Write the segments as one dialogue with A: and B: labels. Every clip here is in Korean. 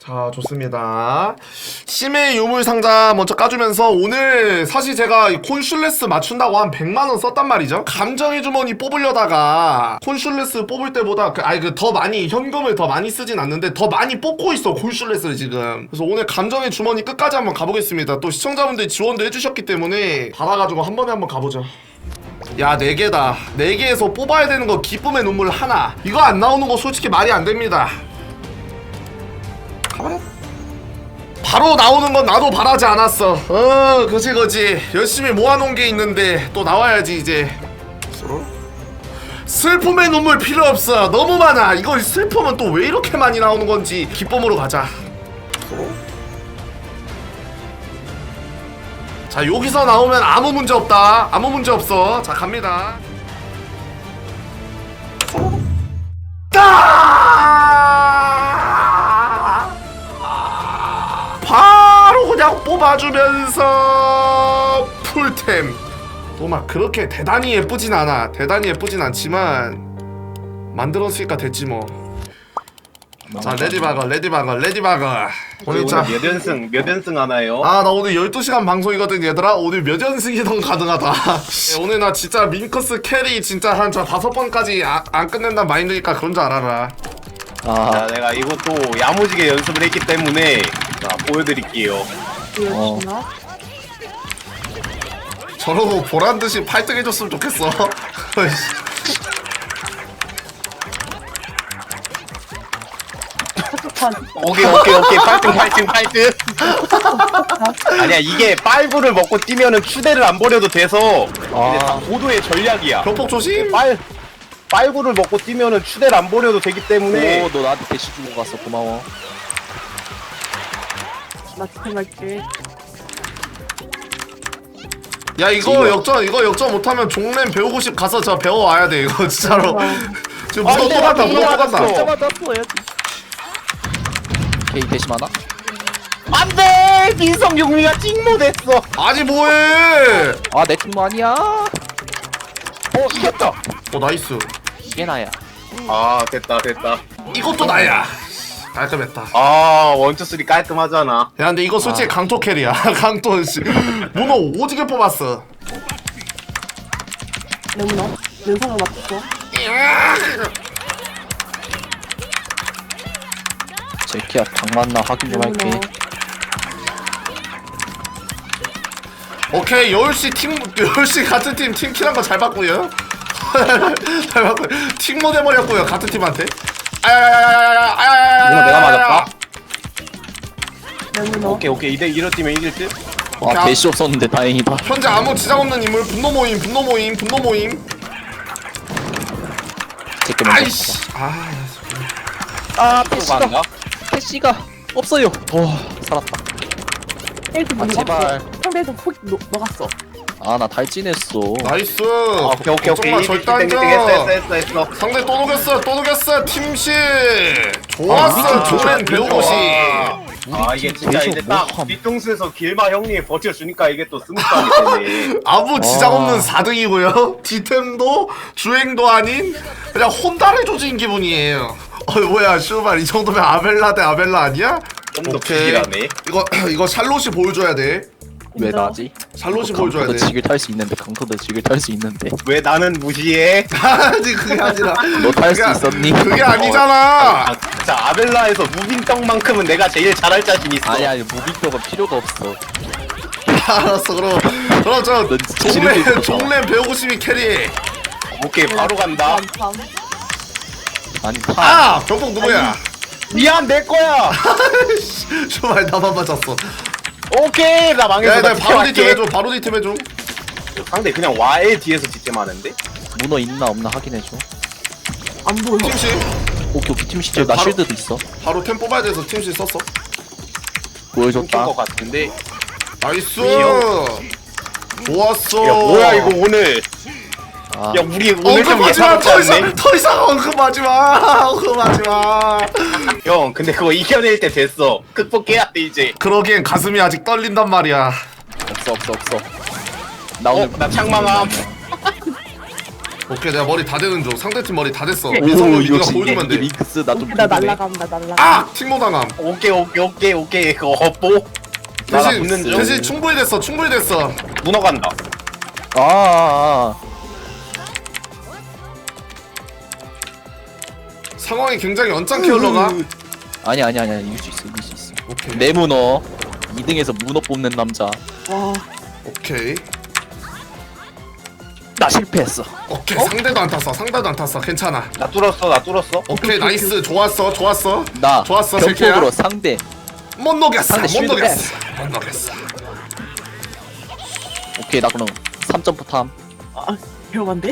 A: 자, 좋습니다. 심해 유물 상자 먼저 까주면서 오늘 사실 제가 이 콘슐레스 맞춘다고 한 100만원 썼단 말이죠. 감정의 주머니 뽑으려다가 콘슐레스 뽑을 때보다 더 많이 현금을 더 많이 쓰진 않는데 더 많이 뽑고 있어 콘슐레스를 지금. 그래서 오늘 감정의 주머니 끝까지 한번 가보겠습니다. 또 시청자분들이 지원도 해주셨기 때문에 받아가지고 한 번에 한번 가보죠. 야, 4개다. 4개에서 뽑아야 되는 거 기쁨의 눈물 하나. 이거 안 나오는 거 솔직히 말이 안 됩니다. 가버려. 바로 나오는 건 나도 바라지 않았어. 그지. 열심히 모아놓은 게 있는데 또 나와야지 이제. 슬픔의 눈물 필요 없어. 너무 많아. 이거 슬픔은 또 왜 이렇게 많이 나오는 건지. 기쁨으로 가자. 자, 여기서 나오면 아무 문제 없다. 아무 문제 없어. 자, 갑니다. 바로 그냥 뽑아주면서 풀템. 또 막 그렇게 대단히 예쁘진 않아. 대단히 예쁘진 않지만 만들었으니까 됐지 뭐. 자, 레디바거. 오늘
B: 몇 연승 하나요?
A: 나 오늘 12시간 방송이거든 얘들아. 오늘 몇 연승이든 가능하다. 오늘 나 진짜 밍커스 캐리 진짜 한 5번까지 안 끝낸단 마인드니까 그런 줄 알아라.
B: 자, 내가 이것도 야무지게 연습을 했기 때문에 자, 보여드릴게요.
A: 저러고 보란듯이 8등 해줬으면 좋겠어.
B: 오케이 8등 아니야, 이게 빨구를 먹고 뛰면은 추대를 안 버려도 돼서 이제 다 고도의 전략이야.
A: 병폭 조심.
B: 빨구를 먹고 뛰면은 추대를 안 버려도 되기 때문에.
C: 오, 너 나한테 대시 주고 갔어. 고마워.
D: 나 지켜갈게.
A: 야, 이거 역전 못하면 종램 배우고 싶 가서 저 배워와야 돼 이거 진짜로. 지금 무덤 또 간다.
D: 잡아다 쏘야지.
C: 오케이, 대시 많아?
B: 안돼! 민성 용미가 찍모됐어.
A: 아니 뭐해?
C: 아, 내 팀도 아니야.
B: 이겼다.
A: 나이스.
C: 이게 나야.
B: 아, 됐다.
A: 이것도 나야. 깔끔했다.
B: 아, 1,2,3 깔끔하잖아.
A: 야, 근데 이거 솔직히 강토 캐리야. 강토 씨. 문어 오지게 뽑았어.
D: 레몬아, 면상을 맞췄어.
C: 제키야, 당 맞나 확인 좀 할게.
A: 오케이, 10시 같은 팀 팀킬한 거 잘 봤고요. 잘 봤고요. 팀 못 해버렸고요 같은 팀한테.
B: 이거 내가 맞았다.
D: 레몬아.
B: 오케이 2대1로 뛰면 이길 듯.
C: 와, 대시 없었는데 다행이다.
A: 현재 아무 지장 없는 인물 분노 모임.
C: 제키 먼저.
A: 아이씨.
B: 패시가
C: 패시가 없어요. 살았다.
D: 헤이트
C: 아, 제발.
D: 상대에서 훅 녹았어.
C: 아, 나 달진했어.
A: 나이스.
B: 오케이
A: 걱정마, 절대 안 져.
B: 했어.
A: 상대 또 녹였어. 팀씨. 좋았어. 종맨 배우고 싶.
B: 이게 진짜
C: 계속
B: 이제 딱
C: 뭐 함.
B: 뒤통수에서 길마 형님이 버텨주니까 이게 또 스무스하게 되네.
A: 아무 지장 없는 4등이고요. 디템도 주행도 아닌 그냥 혼다를 조진 기분이에요. 뭐야, 슈발, 이 정도면 아벨라 대 아벨라 아니야?
B: 좀 더
A: 오케이.
B: 부실하네.
A: 이거 샬롯이 보여줘야 돼.
C: 왜 나지?
A: 샬롯이 보여줘야
C: 강토도
A: 돼.
C: 직을 탈 수 있는데, 강토도 직을 탈 수 있는데.
B: 왜 나는 무시해?
A: 아니, 그게 아니라.
C: 너 탈 수
A: 그게-
C: 있었니?
A: 그게 아니잖아.
B: 자, 아벨라에서 무빙떡만큼은 내가 제일 잘할 자신 있어.
C: 아니, 무빙도가 필요가 없어.
A: 알았어, 그럼 저
C: 넌 진짜 지르고 있구나.
A: 종램 배우고 싶이 캐리.
B: 오케이, 바로 간다.
C: 아니, 파.
A: 병폭 누구야?
B: 미안, 내 거야.
A: 슈발, 나만 맞았어.
B: 오케이, 나 망했어.
A: 야,
B: 나
A: 바로 디템
B: 뒷tem할게.
A: 해줘. 바로 디템 해줘.
B: 상대 그냥 와의 뒤에서 뒷템하는데?
C: 문어 있나 없나 확인해줘.
D: 안 보여.
A: 팀씨
C: 오케이, 팀 시절 나
A: 바로-
C: 쉴드도 있어.
A: 바로 템 뽑아야 돼서 팀씨 썼어.
C: 보여줬다.
B: 것 같은데?
A: 나이스.
B: 이요.
A: 좋았어.
B: 야, 뭐야, 이거 오늘.
C: 아,
B: 야, 우리 오늘 좀
A: 언급하지마.
B: 예사롭지 않네?
A: 더 이상 언급하지마.
B: 형, 근데 그거 이겨낼 때 됐어. 극복해야 돼, 이제.
A: 그러기엔 가슴이 아직 떨린단 말이야.
C: 없어. 나 오늘
B: 나 창망함.
A: 오케이 내가 머리 다 되는 중. 상대팀 머리 다 됐어. 민성이 네가
C: 역시
A: 보여주면 돼.
C: 밍크스 나좀
D: 오케이, 나 날라감, 나 날라감.
A: 아! 팅모당함.
B: 오케이 그거 뽀 나라 붙는 중
A: 대신 충분히 됐어. 충분히 됐어.
B: 문어간다
A: 상황이 굉장히 언짢게 흘러가.
C: 아니야 이길 수 있어
A: 오케이.
C: 내 문어 2등에서 문어 뽑는 남자
D: 와,
A: 오케이.
C: 나 실패했어
A: 오케이. 상대도 안 탔어. 상대도 안 탔어. 괜찮아.
B: 나 뚫었어
A: 오케이 나이스. 좋았어. 좋았어.
C: 나
A: 좋았어,
C: 병폭으로
A: 셀케야.
C: 상대
A: 못 녹였어.
C: 상대
A: 못
C: 쉴드
A: 녹였어. 못 녹였어.
C: 오케이 나 그럼 3점포 탐
D: 위험한데?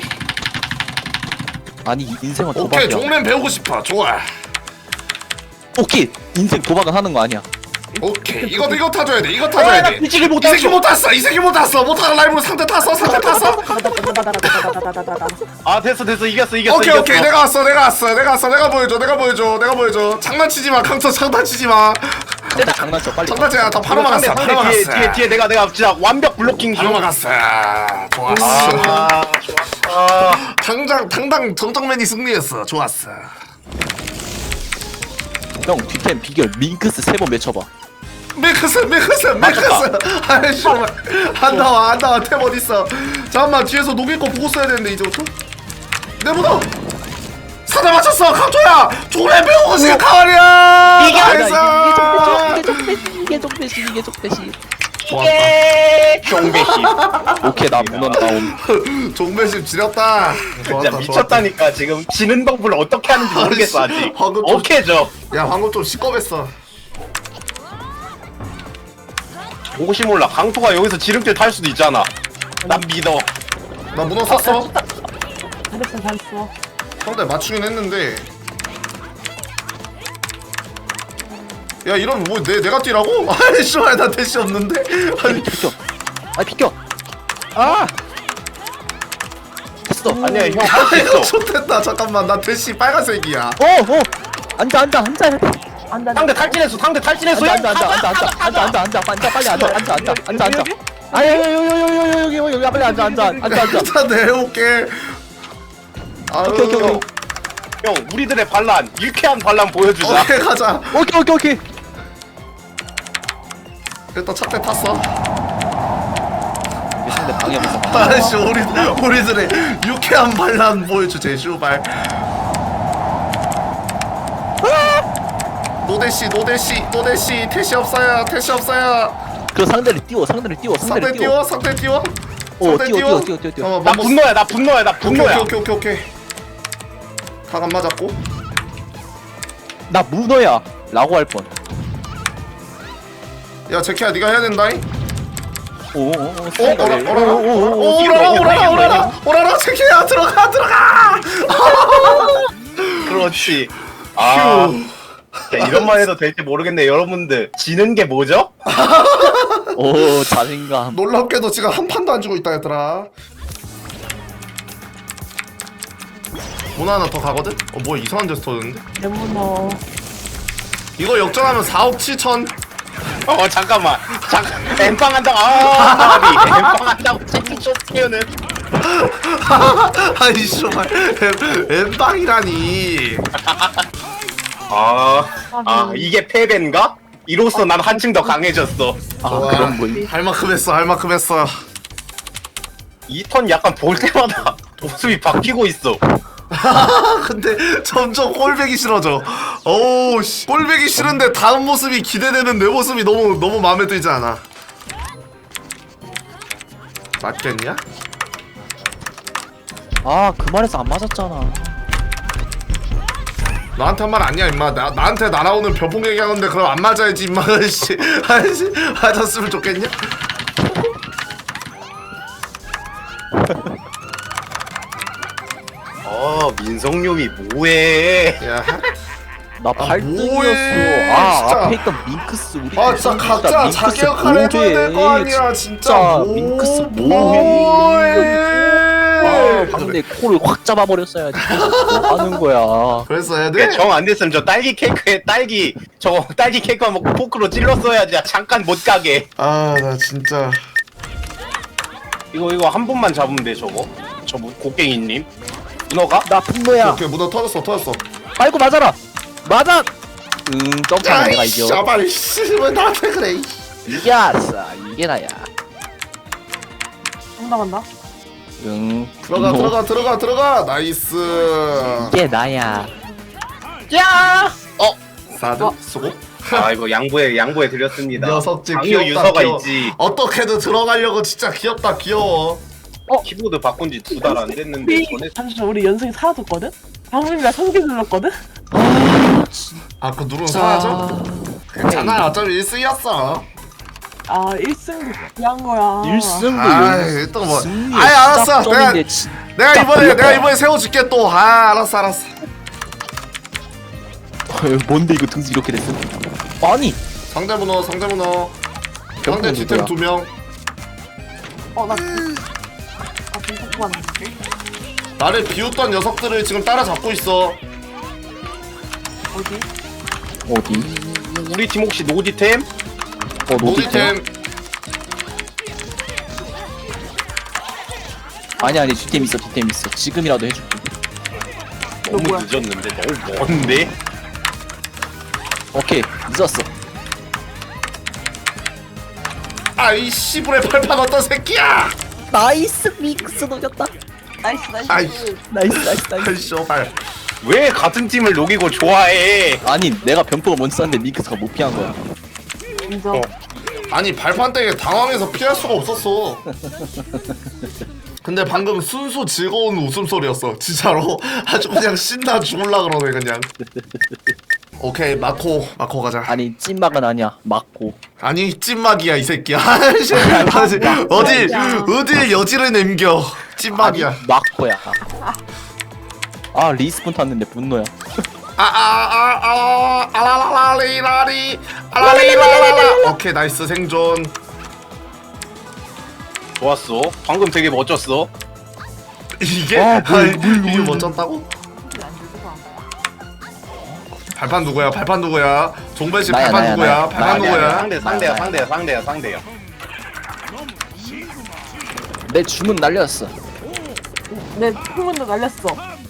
C: 아니 인생은
A: 오케이.
C: 도박이야
A: 종맨 배우고 싶어. 좋아.
C: 오케이 인생 도박은 하는 거 아니야
A: 오케이. 이거 타줘야 돼. 이거 타줘야 돼.
B: 미치기
A: 이 새끼 못 탔어. 이 새끼 못 탔어. 못 타는 라이브로 상대 탔어. 상대 탔어.
D: 나나나나나나나나나나.
B: 아 됐어 이겼어
A: 오케이. 내가 왔어. 내가 보여줘. 장난치지 마. 강서 장난치지 마.
C: 내가 장난쳐 빨리
A: 장난치지 마. 다 바로
B: 상대
A: 막았어. 바로 막았어.
B: 뒤에 내가 진짜 완벽 블로킹
A: 바로
B: 중
A: 막았어. 좋았어.
B: 아 좋았어
A: 당당 정정맨이 승리했어. 좋았어.
C: 형 뒷템 비결 밍크스 3번 외쳐봐
A: 메크스. 아이씨, 안 나와. 템 어딨어? 잠깐만, 뒤에서 녹일 거 보고 써야 되는데, 이제부터? 내 문어! 사다 맞췄어! 강토야! 조래 배우고 생각하랴!
C: 이게 좀 배시
B: 종배시
C: 오케이 나 문어 나옴
A: 종배심 지렸다.
B: 진짜 미쳤다니까 지금 지는 방법을 어떻게 하는지 모르겠어 아직
A: 방금 좀-
B: 오케이죠
A: 야, 방금 좀 시꺼맸어.
B: 혹시 몰라 강토가 여기서 지름길 탈 수도 있잖아 난 믿어
A: 나 문어 샀어.
D: 잘했어.
A: 상대 맞추긴 했는데. 야, 이러면 뭐, 내가 뛰라고? 아이씨, 나 대시 없는데? 아니,
C: 비켜 아 됐어
B: 아니야 형 할 수
A: 이거
B: 있어
A: 좋댔다. 잠깐만, 나 대시 빨간색이야.
C: 앉아
B: 상대 탈진했어
C: 앉아 빨리 앉아 여기 빨리 앉아
A: 일단 내려올게. 아유.
C: 오케이.
B: 형 우리들의 반란 유쾌한 반란 보여주자
A: 오케이, 가자.
C: 오케이
A: 일단 첫대 탔어.
C: 상대 방해하면서
A: 아이씨, 우리들의 유쾌한 반란 보여주제, 슈발. 노대시, 태시 없어요.
C: 그 상대를 띄워
A: 상대 띄워. 상대 띄워.
C: 띄워
B: 나 분노야
A: 오케이. 각 안 맞았고.
C: 나 문어야 라고 할뻔
A: 야, 제키야, 네가 해야 된다잉. 오라라, 제키야, 들어가.
B: 그렇지 아 야, 이런 말 해도 될지 모르겠네 여러분들 지는 게 뭐죠?
C: 오 자신감
A: 놀랍게도 지금 한 판도 안 주고 있다, 얘들아. 문 하나 더 가거든? 뭐야, 이상한 데서 터졌는데?
D: 내 문어.
A: 이거 역전하면 4억 7천.
B: 잠깐만 엠빵 한다고 엠빵 한다고 채팅 쫓기는
A: 아이, 씨발. 엠빵이라니.
B: 이게 패배인가? 이로써 난 한층 더 강해졌어
A: 좋아.
C: 그런 거임
A: 할 만큼 했어.
B: 이 턴 약간 볼 때마다 모습이 바뀌고 있어
A: 근데 점점 꼴배기 싫어져. 어우 씨. 꼴배기 싫은데 다음 모습이 기대되는 내 모습이 너무 마음에 들지 않아. 맞겠냐?
C: 그 말에서 안 맞았잖아
A: 너한테 한 말 아니야 임마. 나한테 날아오는 벼봉 얘기하는데 그럼 안 맞아야지 임마. 씨. 아이씨, 맞았으면 좋겠냐?
B: 민성룡이 뭐해
A: 야,
C: 나
A: 뭐해,
C: 8등이었어
A: 진짜.
C: 앞에 있던 밍크스 우리
A: 진짜 각자 자기 역할 해줘야 될 거 아니야 진짜.
C: 밍크스
A: 뭐해?
C: 상대 코를 확 잡아버렸어야지 뭐 하는 거야
A: 그래서 해야 돼?
B: 정 안 됐으면 저 딸기 케이크에 딸기 케이크 먹고 포크로 찔렀어야지 잠깐 못 가게
A: 아, 나 진짜.
B: 이거 한 번만 잡으면 돼 저거 곡괭이님 문어가?
C: 나 분노야.
A: 오케이 문어 터졌어.
C: 빨고 맞아라. 맞아. 점프하면 내가 이겨.
A: 씨발 씨왜 나한테 그래.
C: 이겼어. 이게 나야.
D: 상담한다.
A: 들어가. 나이스.
C: 이게 나야.
A: 사드 수고.
B: 아 이거 양보해 드렸습니다.
A: 녀석들
B: 강요
A: 귀엽다.
B: 유서가
A: 귀여워.
B: 있지.
A: 어떻게든 들어가려고 진짜 귀엽다. 귀여워.
B: 키보드 바꾼 지 2달 안 됐는데
D: 우리
B: 전에
D: 잠시만 우리 연승이 사라졌거든? 방금이랑 성기 눌렀거든?
A: 아 그 누르면 사라져? 괜찮아 어차피 1승이었어.
D: 아 1승도 귀한 거야.
C: 1승도
A: 아이 또 뭐. 아이 알았어. 내가 이번에 세워줄게 또. 아 알았어.
C: 뭔데 이거 등수 이렇게 됐어? 아니.
A: 상대 문어. 상대 뒤템
C: 누구야?
A: 2명.
D: 나 공포 봤는데.
A: 나를 비웃던 녀석들을 지금 따라잡고 있어.
D: 어디?
B: 우리 팀 혹시 노디템?
A: 노디템.
C: 아니 뒷템 있어. 지금이라도 해줄게.
B: 너무
D: 뭐야?
B: 늦었는데 너무 먼데?
C: 오케이 늦었어.
A: 아이 씨불의 팔판 어떤 새끼야.
C: 나이스 믹스 녹였다.
D: 나이스.
A: 아이
C: 나이스.
A: 아이 씨발.
B: 왜 같은 팀을 녹이고 좋아해?
C: 아니 내가 병포가 먼저 쐈는데 믹스가 못 피한 거야.
D: 인정.
A: 아니 발판 때문에 당황해서 피할 수가 없었어. 근데 방금 순수 즐거운 웃음소리였어 진짜로. 아주 그냥 신나 죽을라 그러네 그냥. 오케이 마코 가자.
C: 아니 찐막은 아니야. 막고.
A: 아니 찐막이야 이 새끼야. 어딜 여지를 남겨. 찐막이야.
C: 아니, 막고야. 아 리스폰 탔는데 분노야.
A: 알라라라리 오케이 나이스 생존.
B: 좋았어. 방금 되게 멋졌어.
A: 이게? 이게 멋졌다고? 발판 누구야? 종배씨
C: 나야,
A: 발판
C: 나야,
A: 누구야?
C: 나야.
A: 발판 누구야?
B: 상대야.
C: 내 주문 날렸어.
D: 내 풍문도 날렸어.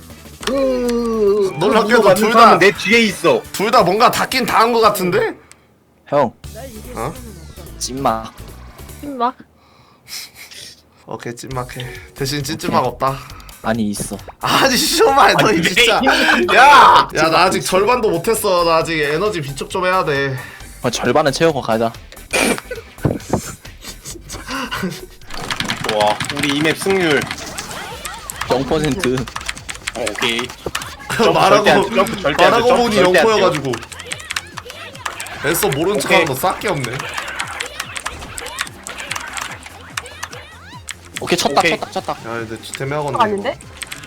A: 놀랍게도
B: 내 뒤에 있어.
A: 둘 다 뭔가 닿긴 닿은 것 같은데?
C: 형.
A: 어?
C: 찐막.
D: 막.
A: 오케이 찐막해. 대신 찐찐막 없다.
C: 아니 있어.
A: 아니 씨발 너 진짜. 야 나 아직 절반도 못했어. 나 아직 에너지 비축 좀 해야 돼.
C: 절반은 채우고 가자.
B: 좋아. 우리 이맵 승률
C: 0%.
B: 오케이.
A: 말하고 보니
B: 절대 안
A: 0%여가지고. 애써 모른 척하는 거 싹게 없네.
C: 오케이 쳤다.
B: 오케이.
A: 야 근데 주템 하건데.
D: 아닌데?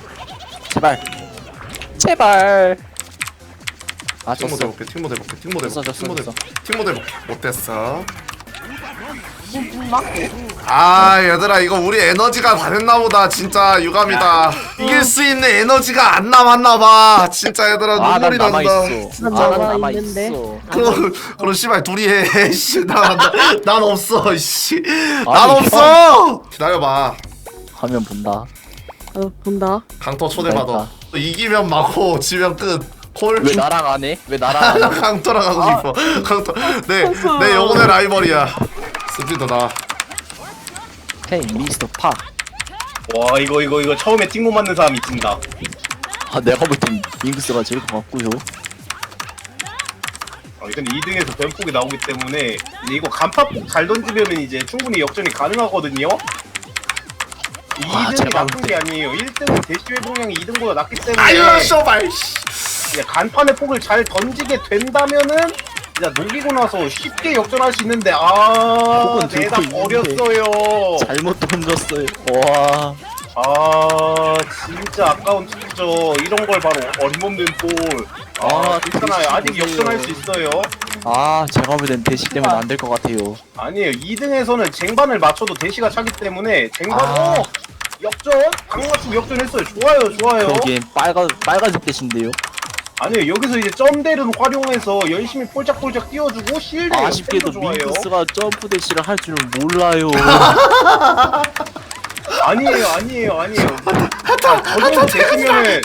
C: 제발. 아
A: 팀
C: 졌어.
A: 모델 볼게.
C: 졌어.
A: 팀 모델 볼게. 못됐어.
D: 막.
A: 아 얘들아 이거 우리 에너지가 다 됐나보다. 진짜 유감이다. 이길 수 있는 에너지가 안 남았나봐. 진짜 얘들아
C: 난
A: 눈물이 난다.
C: 남아있어.
D: 난
C: 난
D: 남아있는데.
C: 남아있어.
A: 그럼 씨발 둘이 해. 씨, 난 없어. 씨, 난
C: 아니,
A: 없어. 기다려봐.
C: 화면 본다.
D: 본다.
A: 강토 초대받아. 이기면 막고 지면 끝. 콜.
C: 왜 나랑 안 해? 왜 나랑 안 해?
A: 강토랑 하고 싶어. 강토. 내 영혼의 라이벌이야. 스피드 나.
C: 헤이 미스터 파.
B: 와 이거 처음에 팀못 맞는 사람이 진다.
C: 아 내가 볼 땐 윙크스가 제일 것 같고요.
B: 근데 2등에서 변폭이 나오기 때문에 이제 이거 간파폭 잘 던지면 이제 충분히 역전이 가능하거든요. 2등이
C: 제발.
B: 나쁜 게 아니에요. 1등은 대시 회복량이 2등보다 낮기 때문에
A: 아유 쇼발.
B: 이제 간판의 폭을 잘 던지게 된다면은 이제 녹이고 나서 쉽게 역전할 수 있는데
C: 폭은 들고
B: 내가
C: 있는데.
B: 버렸어요.
C: 잘못 던졌어요. 와.
B: 진짜 아까운 투죠. 이런 걸 바로 어림없는 볼. 괜찮아요. 아직 역전할 수 있어요.
C: 제가 볼 땐 대시 때문에 안 될 것 같아요.
B: 아니에요. 2등에서는 쟁반을 맞춰도 대시가 차기 때문에 쟁반 역전? 강맞춤 역전했어요. 좋아요.
C: 그러기엔 빨간색 대신데요.
B: 아니에요. 여기서 이제 점대를 활용해서 열심히 폴짝폴짝 띄워주고 실드
C: 아쉽게도
B: 역전도 좋아요.
C: 밍크스가 점프 대시를 할 줄은 몰라요.
B: 아니에요. 저도 제끼면은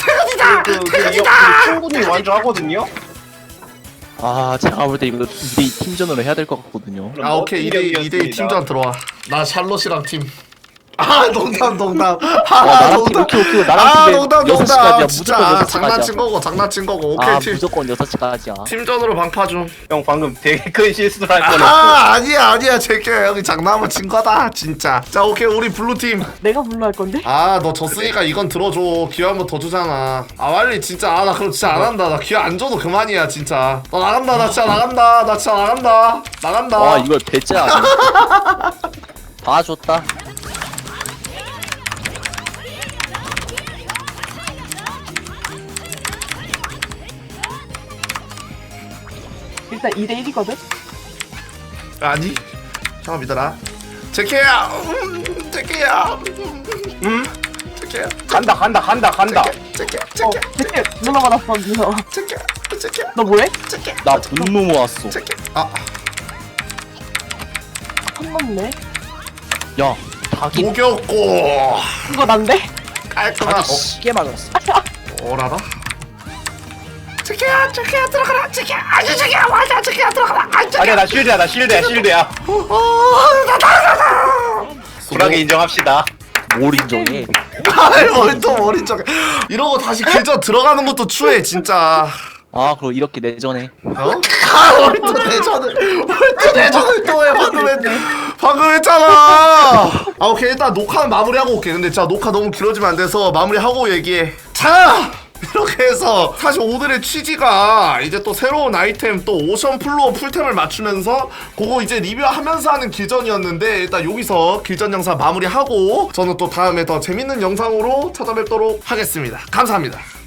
B: 충분히 완주하거든요.
C: 아 제가 볼 때 이거 2대2 팀전으로 해야 될 것 같거든요.
A: 아 오케이 2대2 팀전 들어와. 나 샬롯이랑 팀. 아 농담.
C: 나랑 팀 오케이 나랑 팀
A: 농담.
C: 6시까지야.
A: 진짜
C: 무조건 6시까지야.
A: 장난친 거고. 오케이
C: 아
A: 팀.
C: 무조건 6시까지야.
A: 팀전으로 방파 좀.
B: 형 방금 되게 큰 실수를 할 뻔했어.
A: 아니야 제게 여기 장난을 친 거다 진짜. 자 오케이 우리 블루 팀.
D: 내가 불러 할 건데?
A: 아 너 졌으니까 이건 들어줘. 기회 한 번 더 주잖아. 아 빨리 진짜. 아 나 그럼 진짜 안 한다. 나 기회 안 줘도 그만이야 진짜. 나 나간다. 나 진짜 나간다.
C: 와 이걸 배째 아니야? 다 줬다.
D: 일단 2대1이거든?
A: 아니 잠깐 믿어라. 제케야. 제케야. 제케야.
B: 간다.
A: 제케.
D: 제게 누나 받았어, 누나.
A: 제케.
D: 너 뭐해?
C: 나 분노 모았어.
A: 제케. 아
D: 한 넘네.
C: 야 닭이
A: 녹였고
D: 이거 난데?
A: 깔끔하.
C: 닭이 시계 맞았어.
A: 오라라. 제케야 들어가라. 제케야 맞아. 제케야 들어가라.
B: 아니야 나 쉴드야. 불하게 인정합시다.
C: 뭘 인정해?
A: 아이 뭘또 머리 쪽에 이러고 다시 길전 들어가는 것도 추해 진짜.
C: 아 그럼 이렇게 내전해.
A: 어? 뭘또 내전을 또 해. 방금 했잖아. 아 오케이 일단 녹화는 마무리하고 올게. 근데 진짜 녹화 너무 길어지면 안 돼서 마무리하고 얘기해. 자 이렇게 해서 사실 오늘의 취지가 이제 또 새로운 아이템 또 오션 플로어 풀템을 맞추면서 그거 이제 리뷰하면서 하는 길전이었는데 일단 여기서 길전 영상 마무리하고 저는 또 다음에 더 재밌는 영상으로 찾아뵙도록 하겠습니다. 감사합니다.